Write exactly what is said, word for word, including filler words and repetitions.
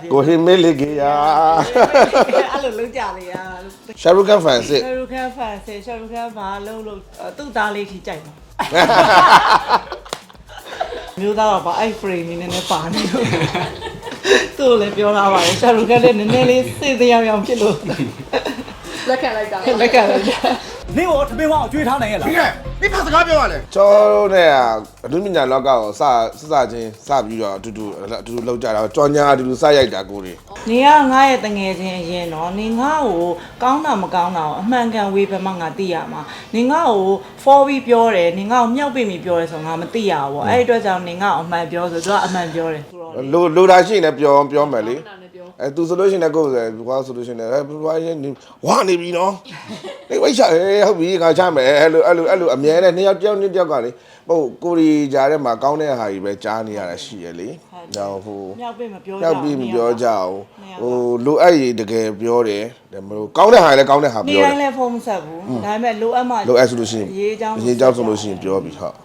ကိုဟင်းမေးလေကြီးယာအဲ့လိုလုံးကြလေရရှာရုခန်ဖန်စစ်ရှာရုခန်ဖန်စစ်ရှာရုခန်ဘာလုံးလုံးသူ့သားလေးထိကြိုက်ပါမျိုးသားတော့ဗာအဲ့ frame နေနေပါနေလို့သူ့လည်းပြောလာပါတယ်ရှာရုခန်လည်းနည်းနည်းလေးစိတ်တရားရောင်ဖြစ်လို့လက်ခံလိုက်တာလက်ခံလိုက်တာနင်းကိုထမင်းဝအောင်ကျွေးထားနိုင်ရဲ့လားဒီကဒီဖတ်စကားပြောရလဲကျော်တို့နဲ့အဒုမညာလောကကိုစစစချင်းစပြီးတော့အတူတူအတူတူလောက်ကြတာကြော်ညာအတူတူစရိုက်တာကိုတွေနေကငါရဲ့တငယ်ချင်းအရင်တော့နေငါ့ကိုကောင်းတာမကောင်းတာကိုအမှန်ကန်ဝေဖန်မှငါသိရမှာနေငါ့ကို four ပြီးပြောတယ်နေငါ့ကိုမြောက်ပိမိပြောတယ်ဆိုငါမသိရဘူးအဲ့ဒီအတွက်ကြောင့်နေငါ့ကိုအမှန်ပြောဆိုသူကအမှန်ပြောတယ်လိုလိုတာရှိနေပြောပြောမယ်လေအဲသူဆိုလို့ရှိရင်လည်းကိုယ်ဆိုကွာဆိုလို့ရှိရင်လည်းဘွားရင်ဝါနေပြီနော်နေဝိတ်ချဟုတ်ပြီခါချမယ်အဲ့လိုအဲ့လိုအဲ့လိုအမြဲတမ်းနှစ်ယောက်တယောက်နှစ်ယောက်ကလေဟုတ်ကိုရီကြားထဲမှာကောင်းတဲ့ဟာကြီးပဲကြားနေရတာရှိရလေ။နောက်ဟိုမြောက်ပိမပြောကြမြောက်ပိမပြောကြအောင်ဟိုလိုအပ်ရင်တကယ်ပြောတယ်ဒါမလို့ကောင်းတဲ့ဟာလည်းကောင်းတဲ့ဟာပြောတယ်။နေတိုင်းလည်းဖုန်းမဆက်ဘူး။ဒါပေမဲ့လိုအပ်မှလိုအပ်ဆိုလို့ရှိရင်ရေးချောင်းရေးချောင်းဆိုလို့ရှိရင်ပြောပြီးဟုတ်